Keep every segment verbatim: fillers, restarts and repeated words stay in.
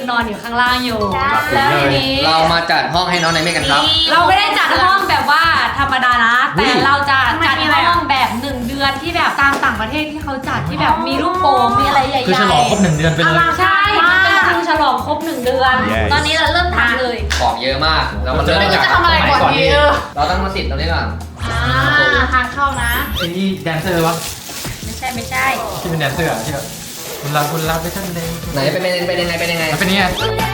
นอนอยู่ข้างล่างอยู่แล้วทีนี้เรามาจัดห้องให้น้องไนเมฆกันครับเราไม่ได้จัดห้องแบบว่าธรรมดานะแต่เราจะจัดห้องแบบหนึ่งเดือนที่แบบตามต่างประเทศที่เขาจัดที่แบบมีลูกโป่งมีอะไรใหญ่ๆคือฉลองครบหนึ่งเดือนไปเลยใช่มันเป็นคือฉลองครบหนึ่งเดือนตอนนี้เราเริ่มทำเลยของเยอะมากแล้วมันจะเริ่มจากจะทำอะไรก่อนดีเราต้องมาติดตรงนี้ก่อนอ่าทางเข้านะไอ้นี่แดนเซอร์วะไม่ใช่ไม่ใช่ที่เป็นแดนเซอร์อะที่แบบคุณรับคุณรับไปท่านใดไหนเป็นเป็นเป็นยังไงเป็นยังไงมันเป็นยังไง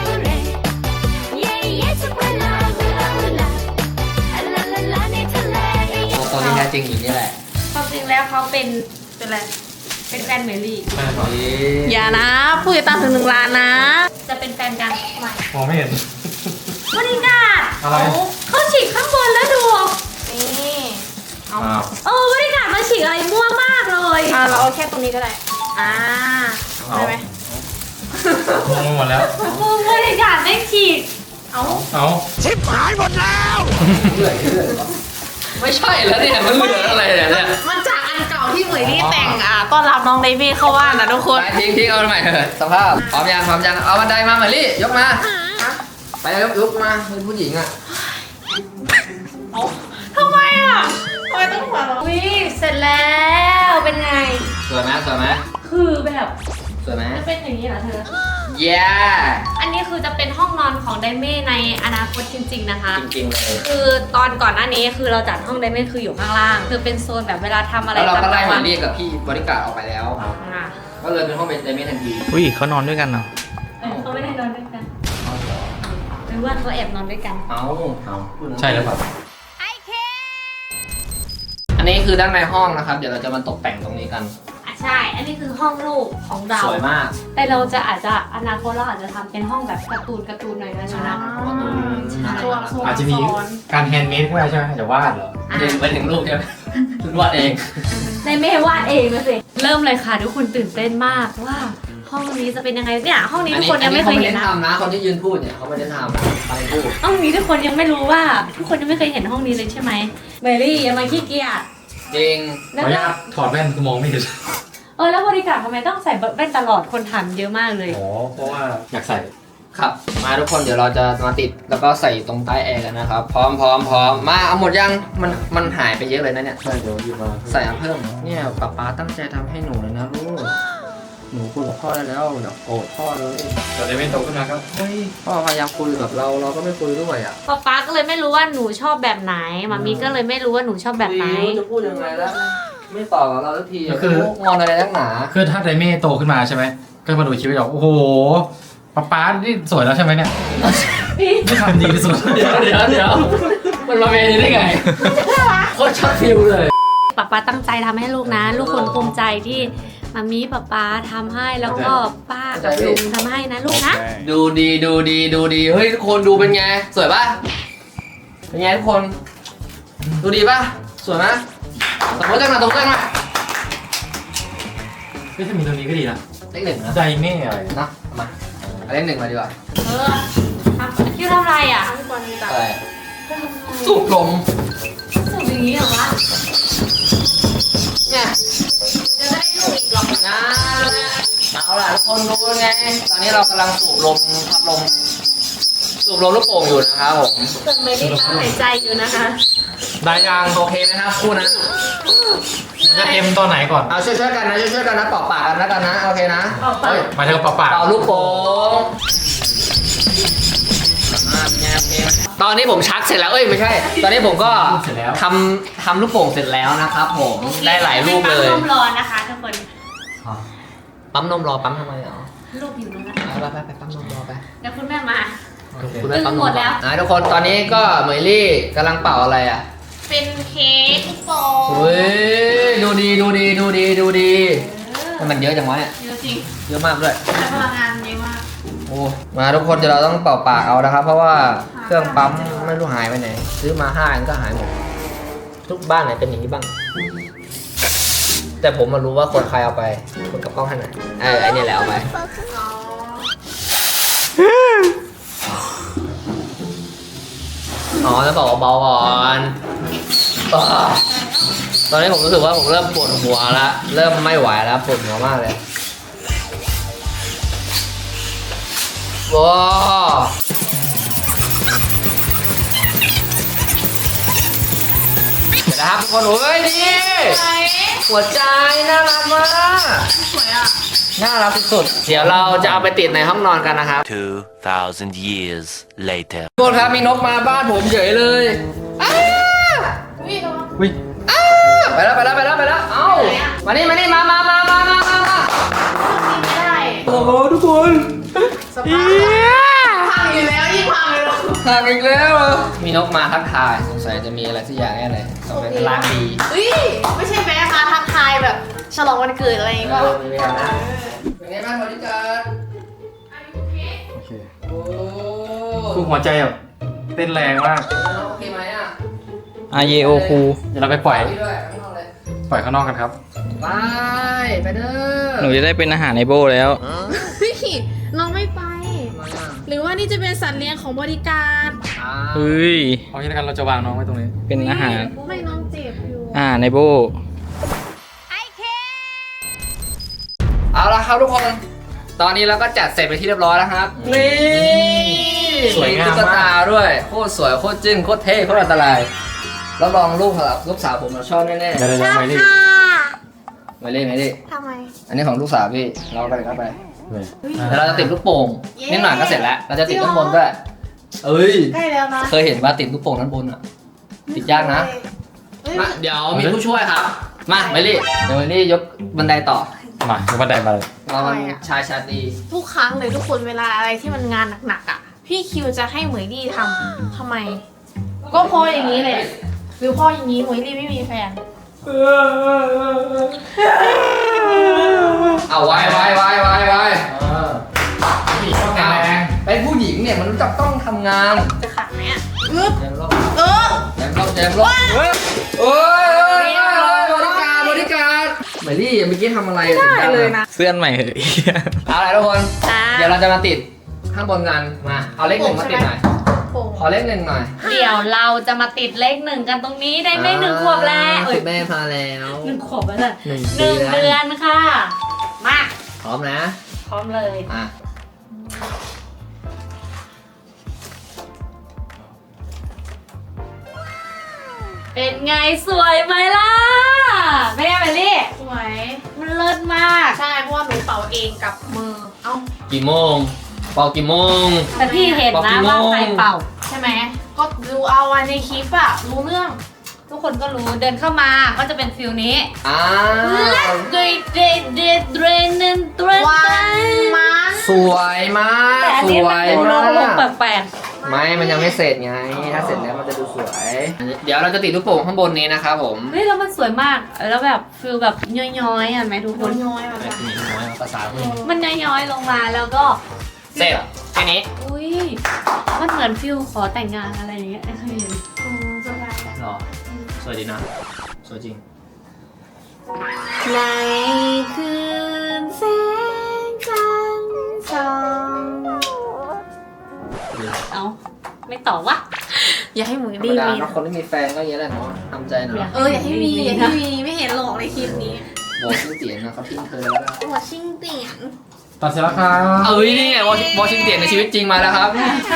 ตอนนี้แท้จริงอยู่นี่แหละความจริงแล้วเขาเป็นเป็นอะไรเป็นแฟนเมลี่อย่านะผู้ติดตามถึงหนึ่งล้านนะจะเป็นแฟนกันใหม่มองไม่เห็นบริการอะไรเขาฉีกข้างบนแล้วดูนี่เอาอ้าวเออบริการมาฉีกอะไรมั่วมากเลยอ่าเราเอาแค่ตรงนี้ก็ได้อ่าได้ไหมงงไปหมดแล้วมึงบริการไม่ฉีกเอาเอาชิบหายหมดแล้วเลื่อยเลื่อยไม่ใช่แล้วเนี่ยมันเหลืออะไรเนี่ยมันจากอันเก่าที่เหมยลี่แต่งอ่าต้อนรับน้องเดวี่เข้าบ้านนะทุกคนไปทิ้งทิ้งเอาใหม่เถอะสภาพพร้อมยังพร้อมยังเอาบันไดมาเหมยลี่ยกมาไปยกยกมาเป็นผู้หญิงอ่ะทำไมอ่ะทำไมต้องหัวเราะวิเสร็จแล้วเป็นไงสวยไหมสวยไหมคือแบบสวยไหมจะเป็นอย่างนี้เหรอเธอเย้อันนี้คือจะเป็นห้องนอนของไดเม่ในอนาคตจริง ๆนะคะจริงๆเลยคือตอนก่อนหน้านี้คือเราจัดห้องไดเม่คืออยู่ข้างล่าง คือเป็นโซนแบบเวลาทำอะไรแล้วเราก็ไล่เหมวัยลี่กับพี่บริการออกไปแล้วอ่ะก็เลยเป็นห้องเป็นไดเมนทันทีอุ้ยเขานอนด้วยกันเหรอเออเขาไม่ได้นอนด้วยกันหรือว่าเขาแอบนอนด้วยกันเอาเอาใช่หรือเปล่าอันนี้คือด้านในห้องนะครับ เดี๋ยวเราจะมาตกแต่งตรงนี้กันอ่ะใช่ อันนี้คือห้องลูกของเราสวยมากแต่เราจะอาจจะอนาคตเราอาจจะทำเป็นห้องแบบการ์ตูนการ์ตูนหน่อยนะนะตัวโซนอาจจะมีการแฮนด์เมดด้วยใช่ไหมจะวาดเหรอถึงไปถึงลูกใช่ไหมคุณวาดเองในเมย์วาดเองนะสิเริ่มเลยค่ะทุกคนตื่นเต้นมากว่าห้องนี้จะเป็นยังไงเนี่ยห้องนี้ทุกคนยังไม่เคยเห็นนะนะทำนะคนที่ยืนพูดเนี่ยเขาไม่ได้ทำอะไรพูดห้องนี้ทุกคนยังไม่รู้ว่าทุกคนยังไม่เคยเห็นห้องนี้เลยใช่ไหมเมลี่อย่ามาขี้เกียจจริงขออนุญาตถอดแว่นคือมองไม่เห็นเออแล้วบริการทำไมต้องใส่แว่นตลอดคนถามเยอะมากเลยอ๋อเพราะว่าอยากใส่ครับ มาทุกคนเดี๋ยวเราจะมาติดแล้วก็ใส่ตรงใต้แอร์กันนะครับ พร้อมพร้อมพร้อมมาเอาหมดยังมันมันหายไปเยอะเลยนะเนี่ยใช่เดี๋ยวหยิบมาใส่อันเพิ่มเนี่ยป๊าป๊าตั้งใจทำให้หนูเลยนะลูกหนูคุยกับพ่อได้แล้วอย่าโกรธพ่อเลยเดี๋ยวได้ไม่โตขึ้นมาครับเฮ้ยพ่อพยายามคุยกับเราเราก็ไม่คุยด้วยอ่ะป๊าป๊าก็เลยไม่รู้ว่าหนูชอบแบบไหนมามีก็เลยไม่รู้ว่าหนูชอบแบบไหนม่รู้จะพูดยังไงแล้วไม่ตอบกับเราสักทีคืองอนอะไรนักหนาคือถ้าไดเม่โตขึ้นมาใช่ไหมก็มาดูคลิปแล้วโอ้โหป๊าป๊านี่สวยแล้วใช่ไหมเนี่ยไม่ทำดีที่สุดเดี๋ยวเดี๋ยวเดี๋ยวมันมาเป็นได้ไงโคตรช็อตฟิลเลยป๊าป๊าตั้งใจทำให้ลูกนะ ลูกคนภูมิใจที่มามีป๊าป๊าทำให้แล้วก็ป้ากับลุงทำให้นะลูกนะดูดีดูดีดูดีเฮ้ยทุกคนดูเป็นไงสวยป่ะเป็นไงทุกคนดูดีป่ะสวยไหมตบมือจังหน่อยตบมือจังหน่อยเฮ้ยถ้ามีตรงนี้ก็ดีนะเลขหนึ่งนะไดเม่อะไรนะมาเอาเลขหนึ่งมาดีกว่าเออทำคิวทำอะไรอ่ะทำก่อนดีจ้ะอะไรสูบลมสูบอย่างนี้เหรอวะเนี่ยจะได้ลูกอีกหรอนะเอาล่ะทุกคนดูไงตอนนี้เรากำลังสูบลมพัดลมสูบลมลูกโป่งอยู่นะครับผมเกิดไม่ได้ตั้งหายใจอยู่นะคะได้ยังโอเคไหมครับคู่นะมันจะเอ็มตอนไหนก่อนเอาช่วยๆกันนะช่วยๆกันนะเป่าปากกันแล้วกันนะโอเคนะเป่าปากเฮ้ยมาเถอะเปล่าเป่าลูกโป่งอ่าเป็นไงโอเคไหมตอนนี้ผมชักเสร็จแล้วเอ้ยไม่ใช่ ตอนนี้ผมก็ทำทำลูกโป่งเสร็จแล้วนะครับผมได้หลายลูกเลยปั๊มนมร้อนนะคะทุกคนปั๊มนมรอปั๊มทำไมอ่ะลูกอยู่นู้นนะไปไปไปปั๊มนมรอไปเดี๋ยวคุณแม่มาคุณแม่ปั๊มนหมมดแล้วอ่ะทุกคนตอนนี้ก็เหมยลี่กำลังเป่าอะไรอ่ะเป็นเค้กลูกโป่งเฮ้ยดูดีดูดีดูดีดูดีมันเยอะจังวะเนี่ยเยอะจริงเยอะมากด้วยใช้พลังงานเยอะมากโอ้มาทุกคนเดี๋ยวเราต้องเป่าปากเอานะครับ เพราะว่าเครื่องปั๊มไม่รู้หายไปไหน ซื้อมาห้าอันก็หายหมดทุกบ้านไหนเป็นอย่างนี้บ้าง แต่ผมมารู้ว่าคนใครเอาไปคนกับกล้องท่านไหนเออไอเนี่ยแหละเอาไปอ๋อแล้วบอกว่าเบาก่อนอ่าตอนนี้ผมรู้สึกว่าผมเริ่มปวดหัวแล้วเริ่มไม่ไหวแล้วปวดหัวมากเลย โว้าวเดี๋ยวนะครับทุกคนเฮ้ยนี่หัวใจน่ารักมากสวยอ่ะน่ารักสุดๆเดี๋ยวเราจะเอาไปติดในห้องนอนกันนะครับ Two thousand years later. ทุกคนครับมีนกมาบ้านผมเฉยเลยอ้าวิ่งแล้วอุ้ยอ้าไปแล้วไปแล้วไปแล้วไปแล้วเอ้ามานี่มานี่มามามามามามามาไม่ได้โอ้โหทุกคนสภาพพังอยู่แล้วยิ่งพังเลยหรอหักอีกแล้วเหรอมีนกมาทักทายสงสัยจะมีอะไรสักอย่างแน่เลยต้องเป็นร้านดีเฮ้ยไม่ใช่แม่มาทักทายแบบฉลองวันเกิดอะไรอย่างเงี้ยเอก็อมีเวลานะเป็นไงบ้างคนที่เกิดโอเคโอ้คือหัวใจแบบเต้นแรงมากโอเคไหมอ่ะอาเยโอคูเดี๋ยวเราไปปล่อยพี่ด้วยข้างนอกเลยปล่อยข้างนอกกันครับไปไปเด้อหนูจะได้เป็นอาหารในโบแล้วเฮ้ยน้องไม่ไปทำไมอ่ะหรือว่านี่จะเป็นสัตว์เลี้ยงของบริการอ้าเฮ้ยเพราะฉะนั้นเราจะวางน้องไว้ตรงนี้เป็นอาหารไม่น้องเจ็บอยู่อาหารในโบเอาละครับทุกคน ตอนนี้เราก็จัดเสร็จไปที่เรียบร้อยแล้วครับ นี่สวยงามมากตุ๊กตาด้วย โคตรสวย โคตรจึ้ง โคตรเท่ โคตรอันตรายแล้วลองลูกครับลูกสาวผมเราชอบแน่เดี๋ยวเดี๋ยวเดี๋ยวไม่รีบๆไม่เล่นไม่เล่นทำไมอันนี้ของลูกสาวพี่ เราไปเข้าไปเลยเดี๋ยวเราจะติดลูกโป่งเย้นิดหน่อยก็เสร็จแล้ว เราจะติดข้างบนด้วย เอ้ยใกล้แล้วนะเคยเห็นว่าติดลูกโป่งด้านบนอ่ะ ติดยากนะเฮ้ยมาเดี๋ยวมีผู้ช่วยครับ มาไม่รีบเดี๋ยวไม่รีบยกบันไดต่อมาเดี๋ยวบันไดมาเลยเรามันชายชาตรีทุกครั้งเลยทุกคนเวลาอะไรที่มันงานหนักๆอ่ะ พี่คิวจะให้เหมยลี่ทำทำไม ก็เพราะอย่างนี้เลยหรือเพราะอย่างนี้เหมยลี่ไม่มีแฟนเอาไว้ไว้ไว้ไว้ไว้ผู้หญิงชอบแข็งแรงเป็นผู้หญิงเนี่ยมันจะต้องทำงานจะขัดไหมอ่ะอึ๊บเจมส์รอบเออเจมส์รอบเจมส์รอบเฮ้ยโอ้ยโอ้ยโอ้ยบริการบริการเมลี่เมื่อกี้ทำอะไรได้เลยนะเสื้อนใหม่เหยเอาอะไรทุกคนอ่าเดี๋ยวเราจะมาติดข้างบนกันมาเอาเลขหนึ่งมาติดหน่อยโป่งขอเลขหนึ่งหน่อยเดี๋ยวเราจะมาติดเลขหนึ่งกันตรงนี้ได้ไหมหนึ่งขวบแล้วเอ้คุยณแม่พาแล้วหนึ่งขวบแล้วนะหนึ่งหนึ่งปีเดือแล้วนค่ะ มาพร้อมนะพร้อมเลยอ่ะเป็นไงสวยไหมล่ะไม่ได้ไปลี่สวยมันเลิศมากใช่เพราะว่าหนูเป่าเองกับมือ เอ้ากี่โมงเป่ากี่โมงแต่พี่เห็นบอกกี่นะโมงว่าใครเป่าใช่ไหม ก็ดูเอาวันในคลิปอะรู้เรื่องทุกคนก็รู้เดินเข้ามาก็จะเป็นฟิลนี้อ้าเดวดเดดเดดเดรนเดนเดรนวันมันสวยมากแต่อันสนี้วมันยดูมาโลกกแปลกไม่ มันยังไม่เสร็จไง ถ้าเสร็จแล้วมันจะดูสวย เดี๋ยวเราจะติดลูกโป่งข้างบนนี้นะครับผมๆเฮ้ยแล้วมันสวยมากแล้วแบบฟิลแบบย้อยๆอ่ะไหมทุกคนน้อยๆแบบไอ้นั้นผู้หญิงน้อยภาษาผู้หญิงมันย้อยๆลงมาแล้วก็เสร็จแค่นี้อุ้ยมันเหมือนฟิลขอแต่งงานอะไรอย่างเงี้ยเคยเห็นอืมสบายแล้วหรอ สวยดีนะ สวยจริงในคืนแสงจันทร์ส่องเอ้าไม่ตอบวะอย่าให้หมูธรรมดีดามีเนอะคนที่มีแฟนก็อย่างนี้แหละเนาะทำใจหน่อยเอออย่าให้มีอย่าให้มีไม่เห็นหรอกในคลิปนี้บอกชื่อเตียนนะเขาทิ้งเธอแล้วนะหัวชิงเตียนตัดเสร็จแล้วครับเอ้ยนี่ไงวอชวอชิงเตียนในชีวิตจริงมาแล้วครับ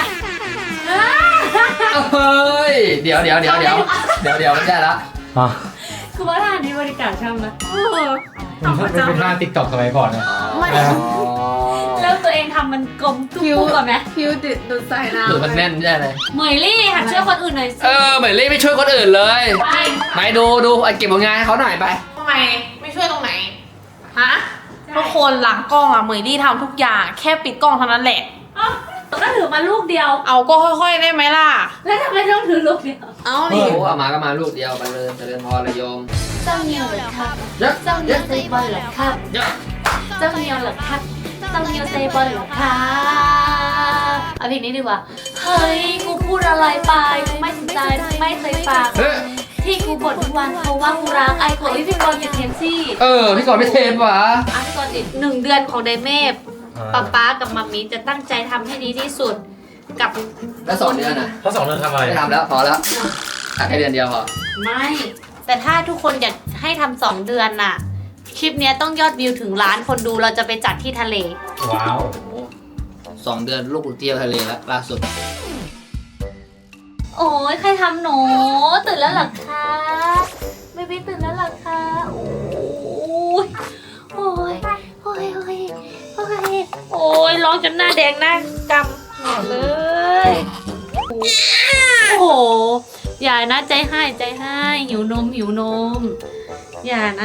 เฮ้ย เดี๋ยวเดี๋ยวเดี๋ยวเดี๋ยวเดี๋ยวเดี๋ยวไม่ได้ละอ่ะคือว่าท่านี้บริการช่างนะเออมันเป็นเป็นหน้าติ๊กต็อกสมัยก่อนเนี่ยไม่แล้วตัวเองทำมันกลมทุกคิ้วปุ๊บก่อนไหมคิ้วติดดูดใส่น้ำหรือมันแน่นไม่ได้เลยเหมยลี่หัดช่วยคนอื่นหน่อยสิเออเหมือนรีบไม่ช่วยคนอื่นเลยไปไม่ดูดูไอ้เก็บผลงานให้เขาหน่อยไปทำไมไม่ช่วยตรงไหน ฮะ ทุกคนหลังกล้องอะเหมยลี่ทำทุกอย่าง แค่ปิดกล้องเท่านั้นแหละเอ้าก็ถือมาลูกเดียวเอาก็ค่อยๆได้ไหมล่ะแล้วทำไมต้องถือลูกเดียวเอาโอ้ดิโหเอามาก็มาลูกเดียวไปเลยเจริญพรเลยโยมเจ้าเนียวเหรอครับเยอะเจ้าเนียวเซบอลเหรอครับเยอะเจ้าเนียวเหรอครับเจ้าเนียวเซบอลเหรอครับเอาเพลงนี้ดีกว่า เฮ้ย กูพูดอะไรไปกูไม่สนใจไม่เคยฟังเฮ้ยที่กูบ่นทุกวันเพราะว่ากูรักไอ้โกวิพี่กรณ์ติดเทนซี่เออพี่กอนไม่เทปวะอ่ะพี่กรณ์ติดหนึ่งเดือนของไดเมฟป๊าป๊ากับมัมมี่จะตั้งใจทำให้ดีที่สุดกับแล้วสองเดือนอ่ะเขาสองเดือนทำอะไรไม่ทำแล้วพอแล้วตัดแค่เดือนเดียวพอไม่ แต่ถ้าทุกคนอยากให้ทำสองเดือนน่ะ คลิปเนี้ยต้องยอดวิวถึงล้านคนดูเราจะไปจัดที่ทะเลว้าวโอ้โหสองเดือนลูกเที่ยวทะเลแล้วล่าสุดโอ้ยใครทำหนูตื่นแล้วเหรอคะเบบี้ตื่นแล้วเหรอคะโอ้ยโอ้ยโอ้ยโอ้ยโอ้ยโอ้ยร้องจนหน้าแดงหน้ากำหมดเลยโอ้โหอย่านะใจให้ใจให้หิวนมหิวนมอย่านะ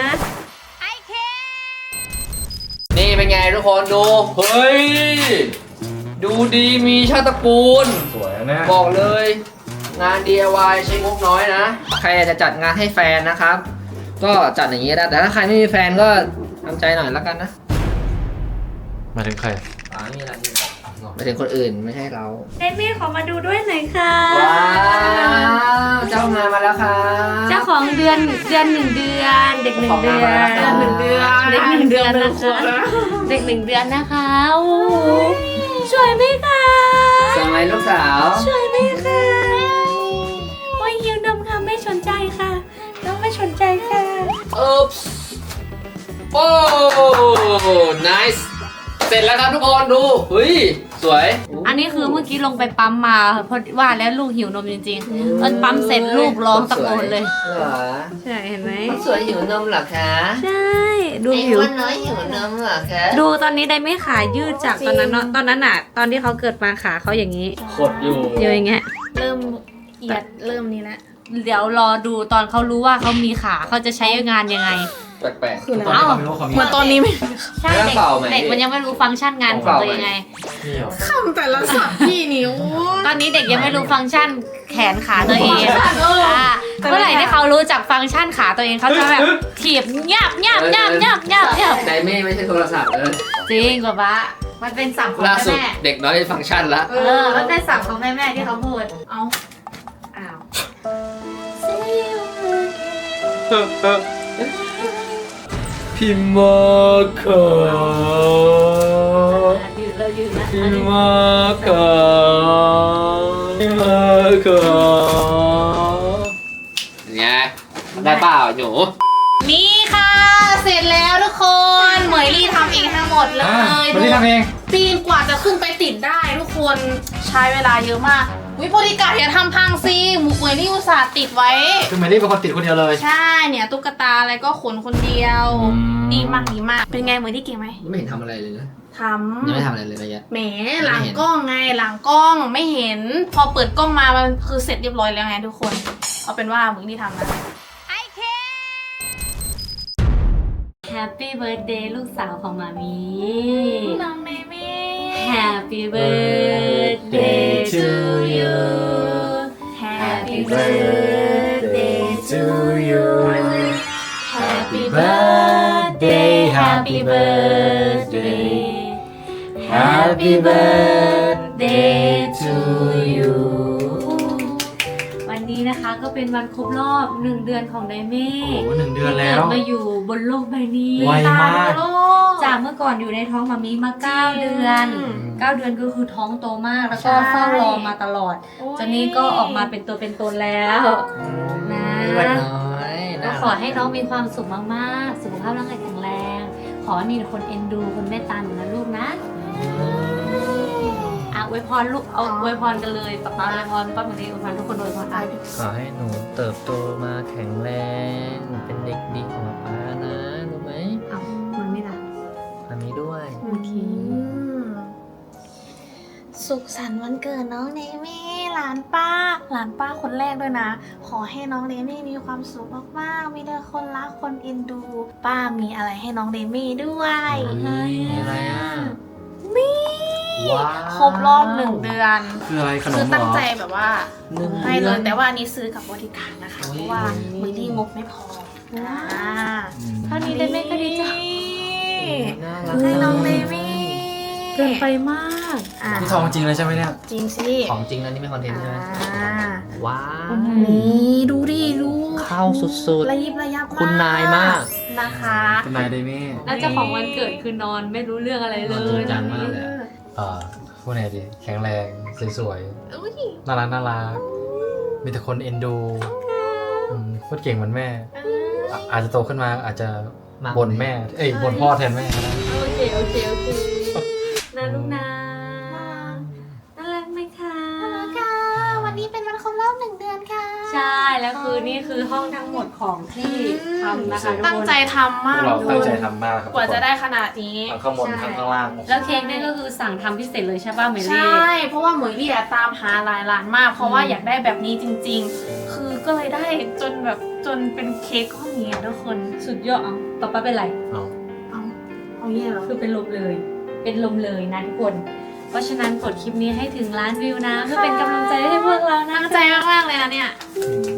นี่เป็นไงทุกคนดู เฮ้ย ดูดีมีชาติตระกูลสวยนะบอกเลย งาน ดี ไอ วาย ใช้งบน้อยนะ ใครอยากจะจัดงานให้แฟนนะครับ ก็จัดอย่างนี้ได้แต่ถ้าใครไม่มีแฟนก็ทำใจหน่อยแล้วกันนะมาถึงใครอ่าไม่มีอะไรไม่ถึงคนอื่นไม่ใช่เราเดมี่ขอมาดูด้วยหน่อยค่ะว้าวเจ้างานมาแล้วค่ะเจ้าของเดือนเดือนหนึ่งเดือนเด็กหนึ่งเดือนเดือนหนึ่งเดือนเด็กหนึ่งเดือนนะคะเด็กหนึ่งเดือนนะคะโอ้โหสวยไหมคะสมัยลูกสาวสวยไหมคะโอ้ยหิวนมค่ะไม่สนใจค่ะน้องไม่สนใจค่ะอุ๊บโอ้ nice เสร็จแล้วครับทุกคนดูเฮ้ยสวยอันนี้คือเมื่อกี้ลงไปปั๊มมาเพราะว่าแล้วลูกหิวนมจริงๆตอนปั๊มเสร็จลูกร้องตะโกนเลยเหรอใช่เห็นไหมสวยหิวนมเหรอคะใช่ดูไอ้หิวอ้วนน้อยหิวนมเหรอคะดูตอนนี้ได้ไม่ขายืดจากตอนนั้นเนอะตอนนั้นอะตอนที่เขาเกิดมาขาเขาอย่างนี้ขดอยู่เยอะอย่างเงี้ยเริ่มเอียดเริ่มนี้แล้วเดี๋ยวรอดูตอนเขารู้ว่าเขามีขาเขาจะใช้งานยังไงแปลกคืออะไรตอนนี้เขาไม่รู้เขามีเหมือนตอนนี้ไม่ใช่แล้วเด็กเป่าไหมเด็กมันยังไม่รู้ฟังก์ชันงานของตัวยังไงนี่เหรอคำแต่ละสับพี่นิ้วตอนนี้เด็กยังไม่รู้ฟังก์ชันแขนขาตัวเองเอออ่าเมื่อไหร่ที่เขารู้จักฟังก์ชันขาตัวเองเขาจะแบบถีบยับยับยับยับยับยับไดเม่ไม่ใช่โทรศัพท์เลยจริงกว่าปะมันเป็นศัพท์ของล่าแม่สุดแม่เด็กน้อยฟังก์ชันละเออมันเป็นศัพท์ของแม่แม่ที่เขาพูดเอาอ้าวพิมมาคายืนเรายืนนะพิมมาคาพิมมาคาเนี่ยได้เปล่าหนูนี่ค่ะ เสร็จแล้วทุกคน เหมยลี่ทำเองทั้งหมดเลอ่ะยคนที่ทำเองปีนกว่าจะขึ้นไปติดได้ทุกคนใช้เวลาเยอะมากวิโพธิกาอย่าทำพังซิหมูเหมยลี่อุตส่าห์ติดไว้คือเมลี่เป็นคนติดคนเดียวเลยใช่เนี่ยตุ๊กตาอะไรก็ขนคนเดียวอืมดีมากดีมาก เป็นไงเหมยลี่เก่งไหมไม่เห็นทำอะไรเลยนะทำยังไม่ทำอะไรเลยนะยะแหมหลังกล้องไงหลังกล้องไม่เห็น พอเปิดกล้องมามันคือเสร็จเรียบร้อยแล้วไงทุกคน เอาเป็นว่าเหมยลี่ทำนะ Happy birthday ลูกสาวของมามีน้องเมมี่ Happy birthday to you Happy birthday to you Happy birthday Happy birthday Happy birthday to you วันนี้นะคะก็เป็นวันครบรอบหนึ่งเดือนของไดเม่โอ้โหหนึ่งเดือนแล้วเกิดมาอยู่บนโลกใบนี้ไวมากโลกจากเมื่อก่อนอยู่ในท้องมามีมาเก้าเดือนอืมเก้าเดือนก็คือท้องโตมากแล้วก็ใช่เฝ้ารอมาตลอดโอ้ยจนนี้ก็ออกมาเป็นตัวเป็นตนแล้ว นะวันน้อยก็ขอให้น้องมีความสุขมากๆ สุขภาพร่างกายแข็งแรง ขอให้มีคนเอ็นดูคนเมตตาหนูนะลูกนะอ่ะอวยพรลูกเอาอวยพรกันเลยป๊าป๊าอวยพรป้าหมอดีอวยพรทุกคนอวยพรอ่ะขอให้หนูเติบโตมาแข็งแรงเป็นเด็กดีของป้านะรู้ไหมเอามันไม่ละอันนี้ด้วยโอเคสุขสันต์วันเกิดน้องเนมี่หลานป้า หลานป้าคนแรกด้วยนะ ขอให้น้องเนมี่มีความสุขมากๆมีแต่คนรักคนเอ็นดู ป้ามีอะไรให้น้องเนมี่ด้วยมีอะไรอ่ะนี่ว้าวครบรอบหนึ่งเดือนคืออะไรขนคืมอเหรตั้งอใจแบบว่าหนึ่งให้เลเดือย นแต่ว่าอันนี้ซื้อกับบริการนะคะโอ้ยเพราะว่ามือที่งบไม่พออ่าอืมเท่านี้ไดเม่ก็ดีใจน่ารักให้น้องเนมี่เกินไปมากอ่านี่ทองจริงเลยใช่ไหมเนี่ยจริงสิของจริงนะนี่ไม่คอนเทนต์ใช่ไหมอ่าว้าวนี่ดูดิดูเข้าสุดระยิบระยับมากคุณนายมากนะคะคุณนายไดเม่แล้วเจ้าของวันเกิดคือนอนไม่รู้เรื่องอะไรเลนอนจริยงจังมากเลยเอ่อพูดไงดี แข็งแรง สวยอุ้ยๆ น่ารักน่ารัก มีแต่คนเอ็นดูอืมพูดเก่งเหมือนแม่อ่ะอาจจะโตขึ้นมาอาจจะมากบ่นแม่ เอ้ยบ่นพ่อแทนแม่ก็ได้โอเค โอเค โอเคนะลูกนะช่แล้วคือนี่คือห้องทั้งหมดของที่ทำนะคะทุกตั้งคนใจทำพวมากกเราทุตั้งคนใจทำมากครับกว่าจะได้ขนาดนี้ทั้งข้างบนทั้งข้างล่างแล้วเค้กนี่ก็คือสั่งทำพิเศษเลยใช่ป่ะเมใชลี่่ เพราะว่าเหมยลี่อะตามหาหลายร้านมาก เพราะว่าอยากได้แบบนี้จริง ๆ คือก็เลยได้จนแบบจนเป็นเค้กก้อนนี้อะทุกคนสุดยอดเอาป๊าป๊าเป็นไรเอาเอาเอาเงี้ยเหรอคือเป็นลมเลย เป็นลมเลยนะทุกคน เพราะฉะนั้นกดคลิปนี้ให้ถึงล้านวิวนะเพื่อเป็นกำลังใจให้พวกเรานะตั้งใจมากๆเลยนะเนี่ยอืม